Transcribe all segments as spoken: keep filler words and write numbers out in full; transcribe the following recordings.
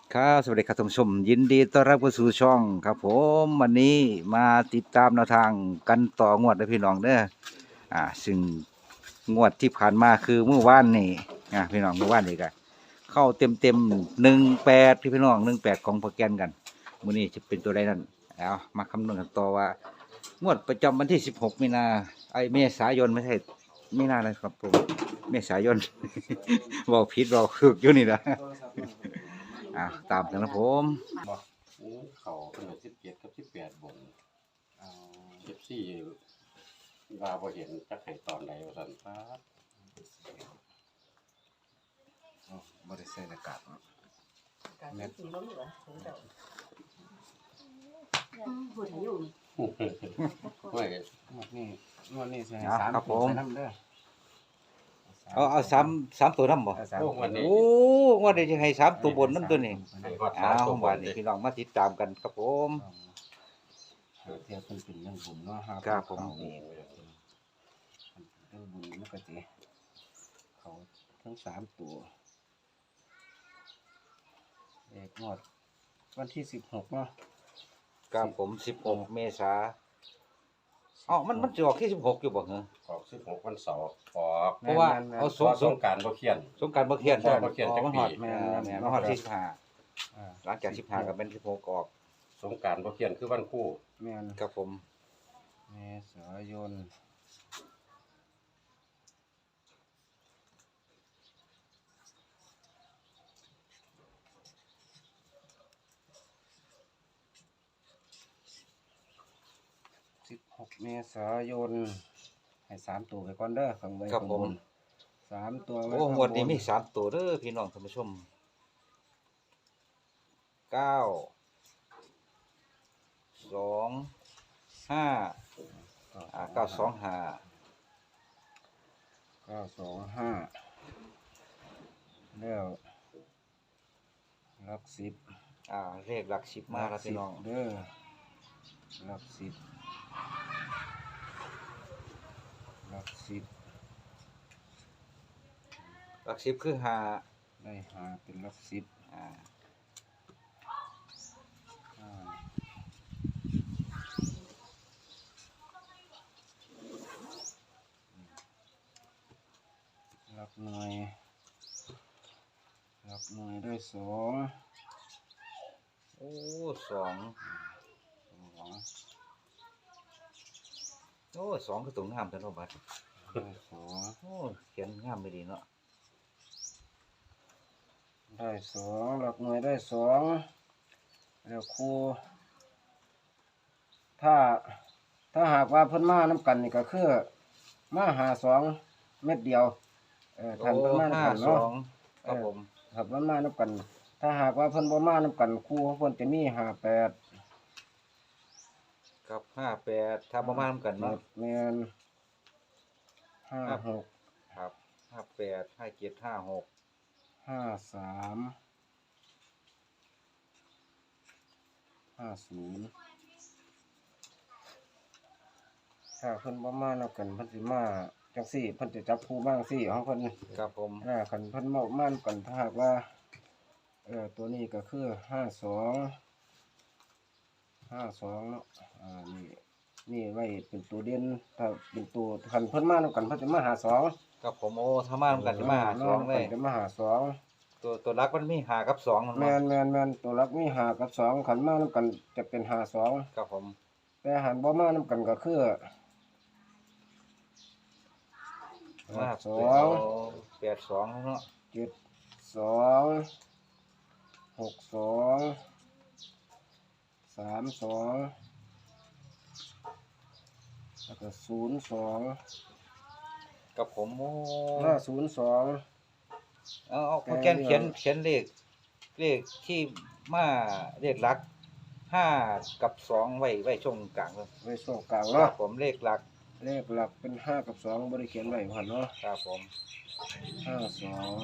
ครับสวัสดีครับท่านผู้ชมยินดีต้อนรับเข้าสู่ช่องครับผมวันนี้มาติดตามแนวทางกันต่องวดนะพี่น้องเด้ออ่าซึ่งงวดที่ผ่านมาคือเมื่อวานนี่อ่าพี่น้องเมื่อวานนี่กันเข้าเต็มเต็มหนึ่งแปดที่พี่น้องหนึ่งแปดของโปรแกรมกันมื้อนี้จะเป็นตัวใดนั่นเอามาคำนวณกันต่อว่างวดประจำวันที่สิบหกมีนาไอเมษายนไม่ใช่มีนาเลยครับผมเมษายน บอกผิดบอกถูกอยู่นี่นะ อ่ะตามกันนะผมบอกอู้เขาตั้งแต่สิบเจ็ดกับสิบแปดบนสิบสี่ว่าพอเห็นจักไห้ตอนใดว่าสันครับบริษัทอากาศการเม็ดสีล้มเหรอถึงจะหุ่นอยู่ไม่งวดนี้งวดนี้ใส่สามครับผตัวมใส่น้ำเด้อเอาเอาสามสามตัวน้ำบ่เอาสามโอ้ตัววันนี้โอ้งวดนี้จะให้สามตัวบนน้ำตัวนี้ให้ฮอดอ้าสามวตัวบวันนนี้เลยพี่น้องมาติดตามกันครับผมหาเทียบเป็นเป็นเรื่องบุญเนาะห้าครับผมเขานี่เรื่องบุญมันก็จะเขาทั้งสามตัวเอกงวดวันที่สิบหกเนาะครับผมสิบหกเมษาอ๋อมันมันจะออกที่สิบหกอยู่บ่เหรอออกสิบหกวันเสาร์ออกเพราะว่าแม่นๆเอาเพสงราะสสงงกรารบ่เขียนสงกรารบ่เขียนใช่บ่เขียนอ๋อมันหอดจักปีแม่นแม่นมันหอดที่สิบห้าอ่าหลังจากสิบห้าก็เป็นสิบหกออกสงกรารบ่เขียนคือวันคู่แม่นครับผมเมษายนสิบหกเมษายนให้สามตัวไปก่อนเด้อข้างบนครับผมข้างนสามตัวไว้โอ้ข้างงวดนี้บนมีสามตัวเด้อพี่น้องท่านผู้ชมเก้าสองห้าอ่าเก้าสองห้าเก้าสองห้าแล้วหลักสิบอ่าเลขหลักสิบมาแล้วพี่น้องเด้อหลักสิบหลักสิบหลักสิบคือห้าได้หาเป็นหลักสิบอ่าห้าหลักหน่วยหลักหน่วยได้สองโอ้สองสองโอ้สองคือตรงงามแต่เนาะบัดได้สองโอ้เขียนงามไม่ดีเนาะได้สองหลักหน่วยได้สองแล้วครูถ้าถ้าหากว่าเพิ่นมาน้ำกันนี่ก็คือมาหาสองเม็ดเดียวเออโอ้ทันเพิ่นมาห้าน้ำกันสเนาะองครับผมครับเพิ่นมาน้ำกัน ถ้าหากว่าเพิ่นบ่มาน้ำกันครูเพิ่นจะมีห้าแปดกับห้าแปดถ้าประมาณกันเนาะแม่นห้าหกครับห้าแปดห้าเจ็ดห้าหกห้าสามห้าศูนย์ถ้าเพิ่นบ่มานํกันเพิ่นสิมาจังซี่เพิ่นจะจับคู่บ้างซี่ของเพิ่นครับผมอ่าคันเพิ่นมามานํกันถ้าหากว่าเอ่อตัวนี้ก็คือห้าสองห้าสองเนาะอ่านี่นี่ไว้เป็นตัวเด่นถ้าเป็นตัวคันเพิ่นมานํกันเพิ่นจะมาหาสองครับผมโอ้ถ้ามาทำกันจะมาหาสองเลยจะมาหาสองตัวตัวรักมันมีหากับสองมันแมเนาะนแมนแมนตัวรักมีหากับสองขันมานํกันจะเป็นหาสองครับผมแต่หันบ่มานํกันก็คือมาสองแปดสองเนาะเจ็ดสองหกสองสามสองแล้วก็ศูนย์สองกับผมโอ้ห้าศูนย์สองเอาเอาโปรแกรมเขียนเขียนเลขเลขที่มาเลขหลักห้ากับสองไว้ไว้ช่วงกลางเลยไว้ช่วงกลางครัเนาะบผมเลขหลักเลขหลักเป็นห้ากับสองบริเขียนไว้ผ่านเนาะครับผมห้าสอง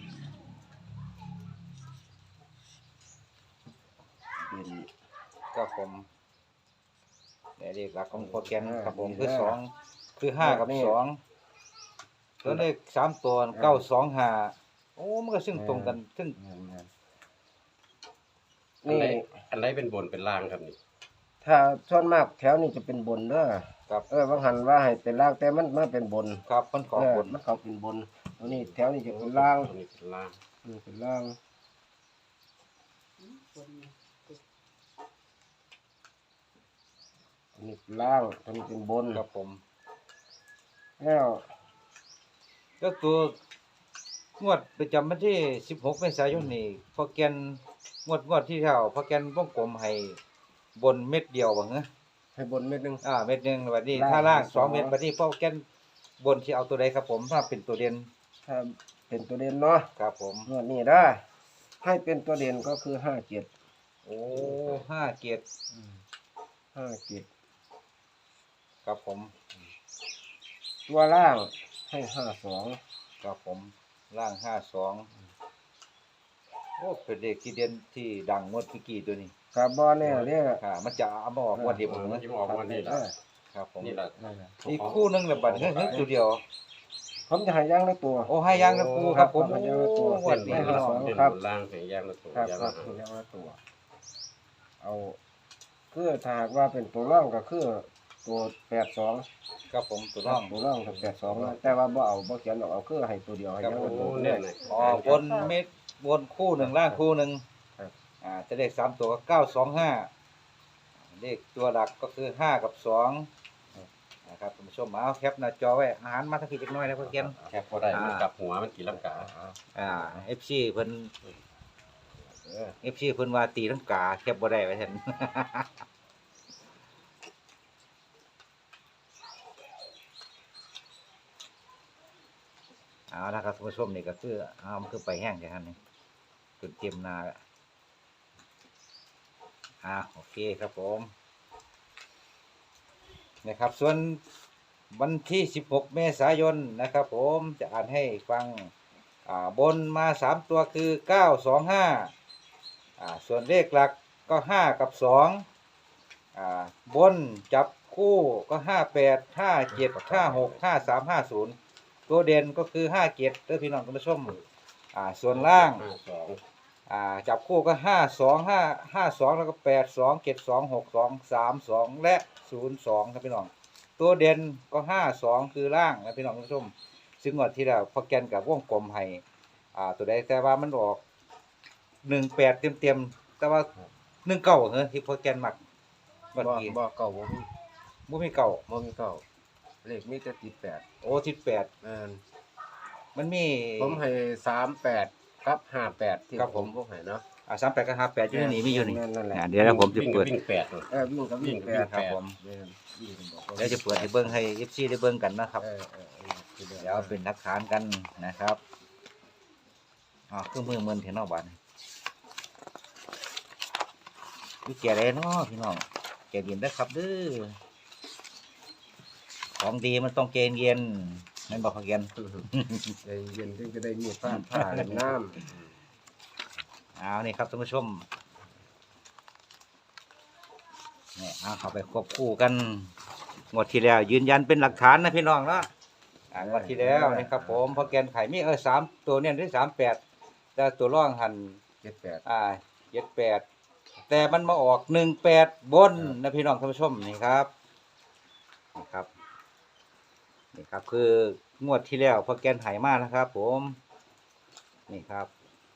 เป็นครับผมเนี่ยเลขหลักของโปรแกรมครับผมคือสองคือห้ากับสองแล้วเลขสามตัวเก้าสองห้าโอ้มันก็ซึ่งตรงกันซึ่งแม่นอันนี่ไหนอันไหนเป็นบนเป็นล่างครับนี่ถ้าส่วนมากแถวนี้จะเป็นบนเด้อครับเออบางหันว่าให้เป็นล่างแต่มันมาเป็นบนครับมันขอเออบนมันเขาเป็นบนตัวนี้แถวนี้จะเป็นล่างตัวนี้เป็นล่างอืมเป็นล่างคนตัวนี้เป็นล่างตัวนี้เป็นบนครับผมแล้วแล้วตัวงวดประจำวันที่สิบหกเมษายนนี่พอแกนงวดงวดที่เท่าพอแกนวงกลมให้บนเม็ดเดียวบ่เหรอให้บนเม็ดหนึงอ่าเม็ดหนึงบัดนี้ล่างถ้าล่างสสออง งเม็ดบัดนี้พอแกนบนสิเอาตัวใดครับผมถ้าเป็นตัวเด่นถ้าเป็นตัวเด่นเนาะครับผมงวดนี้ได้ให้เป็นตัวเด่นก็คือห้าเจ็ดโอ้ห้าเกียรติห้าเจ็ดครับผมตัวล่างให้ห้าสองครับผมล่างห้าสองโอ้เป็นเด็กที่เด่นที่ดังงวดเมื่อกี้ตัวนี้กับบอลเนี่ยเนี่ยค่ะมันจะเอามาออกงวดเดียวผมมันนะจะออกวันนี้แหละครับผมนี่แหละนั่นแหละอีกคู่หนึงแบบบัดนี้เฮ้ยตัวเดียวผมจะให้ย่างละตัวโอ้ให้ย่างนะปูครับผมให้ย่างละตัวงวดนี้ให้พี่น้องสองเป็นครับบนล่างเป็นแยกละตัวครับแยกครัละบหางให้ย่างละตัว เอาคือถ้าหากว่าเป็นตัวร่องก็คือตัวแปดสองครับผมตัวน้องตัวร่องกับแปดสองแต่ว่าบ่เอาบ่เขียนออกเอาคือให้ตัวเดียวให้ครับย่างผละมตัวเนี่เนี่ย ยอ๋อบนเม็ดบนคู่หนึ่งล่างคู่หนึ่งครับอ่าจะเลขสามตัวก็เก้าสองห้าเลขตัวหลักก็คือห้ากับสองนะครับท่านผู้ชมเอาแคปหน้าจอไว้อาหารมาทั้งพี่เล็กน้อยนะเพื่อนเกียนแคบพอได้มันกลับหัวมันตีลังกาอ่าเอฟซีเพิ่นเออเอฟซีเพิ่นว่าตีทั้งกาแคปบ่ได้ไว้ท่าน เอาละครับท่านผู้ชมนี่ก็คือเอามันคือไปแห้งแค่นั้นนี่จนเต็มนาแล้วอ่าโอเคครับผมนะครับส่วนวันที่สิบหกเมษายนนะครับผมจะอ่านให้ฟังอ่าบนมาสามตัวคือเก้าสองห้าอ่าส่วนเลขหลักก็ห้ากับสองอ่าบนจับคู่ก็ห้าแปดห้าเจ็ดห้าหกห้าสามห้าศูนย์ตัวเด่นก็คือห้าเจ็ดเด้อพี่น้องท่านผู้ชมอ่าส่วนล่างห้าสองอ่าจับคู่ก็ห้าสองห้าห้าสองแล้วก็แปดสองเจ็ดสองหกสองสามสองและศูนย์สองครับพี่น้องตัวเด่นก็ห้าสองคือล่างนะพี่น้องผู้ชมซึ่งงวดที่แล้วพอแกนกับวงกลมให้อ่าตัวใดแต่ว่ามันออกหนึ่งแปดเต็มเต็มๆแต่ว่าหนึ่งเก้าเหรอที่พอแกนมักบ่วันกี้บ่เก่าบ่มีบ่มีเก้าบ่มีเก่าเลขมีแต่ติดแปดโอ้ทิศแปดแม่นมันมีผมให้สามแปดกับห้าแปดที่ครับผมผมให้เนาะอ่าสามแปดกับห้าแปดอยู่ในนี้มีอยู่นี่แม่นั่นแหละอ่าเดี๋ยวแล้วผมจะวิ่งเปิดวิ่งแปดเลยเออวิ่งกับวิ่งแปดครับผมแม่นวิ่งบอกว่าเดี๋ยวจะเปิดให้เบิ้งให้เอฟซีได้เบิ้งกันนะครับเออเออเออเดี๋ยวเป็นหลักฐานกันนะครับอ๋อเครื่องมือเมินเทนอกบ้านวิแก่เลยเนาะพี่น้องแก่เย็นได้อครับเด้อของดีมันต้องเกณฑ์เย็นนั่นบอกเขาเกียนใจเย็นจึงจะได้มีผ้าผ้าเล่นน้เอานี่ครับท่านผู้ชมเนี่ยเอาเข้าไปควบคู่กันงวดที่แล้วยืนยันเป็นหลักฐานนะพี่น้องเนาะอ่างวดที่แล้วนี่ครับผมพอแกนไข่มีเออสามตัวเนี่ยได้สามแปดแต่ตัวร่องหันำเจ็ดแปดอ่าเจ็ดแปดแต่มันมาออกหนึ่งแปดบนนะพี่น้องท่านผู้ชมนี่ครับนี่ครับนี่ครับคืองวดที่แล้วพอแกนไห่มากนะครับ ผมนี่ครับ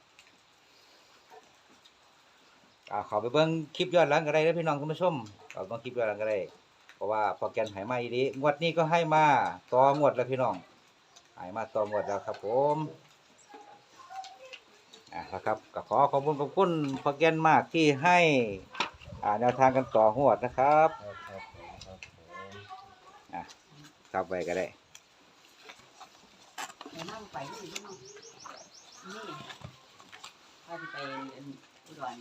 อ่าขอไปเบิ้งคลิปย้อนหลังก็ได้นะพี่น้องท่านผู้ชมเอาเบิ้งคลิปย้อนหลังก็ได้เพราะว่าพอแกนไห่มาอีดีงวดนี้ก็ให้มาต่องวดแล้วพี่น้องไห่มาต่องวดแล้วครับผมอ่ะนะครับก็ขอขอบคุณขอบคุณพอแกนมากที่ให้อ่าแนวทางกันต่องวดนะครับครับครับผมครับผมอ่ะครับไปก็ได้ไปนั่งไปนี่นี่นี่พาไปอุดร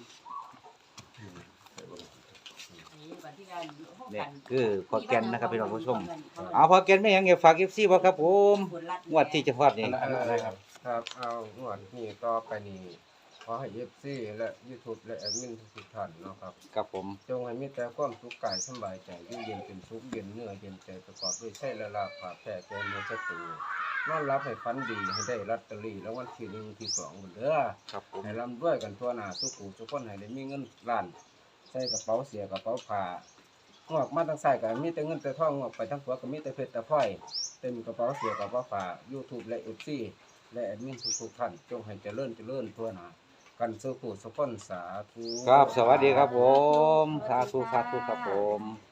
วันที่การเนี่ยคือพอแกนนะครับพี่น้องผู้ชมเอาพอแกนไม่ยังเงี้ยฝากเอฟซีบ่ครับผมงวดที่จะฮอดนี่อันนั้นอะไรครับครับเอางวดนี้ต่อไปนี้ขอให้เอฟซีและยูทูบและแอดมินทุกท่านเนาะครับครับผมจงให้มีแต่ความสุขกายสำบายใจอยู่เย็นเป็นสุขเย็นเนื้อเย็นใจประกอบด้วยใช่และลาภาแผ่แก่เนื้อศัตรูนอนรับให้ฝันดีให้ได้ลอตเตอรี่แล้ววันที่หนึ่งที่สองหมดเด้อครับผมให้ร่ำรวยกันทั่วหน้าสุขุทุกคนให้ได้มีเงินล้านใส่กระเป๋าเสียกระเป๋าผ้างอกมาทางซ้ายก็มีแต่เงินแต่ทองงอกไปทางขวาก็มีแต่เพชรแต่พลอยเต็มกระเป๋าเสียกระเป๋าผ้า YouTube และ เอฟ ซี และแอดมินทุกๆท่านจงให้เจริญเจริญทั่วหน้ากันสุขุสุขคนสาธุครับสวัสดีครับผมสาธุสาธุครับผม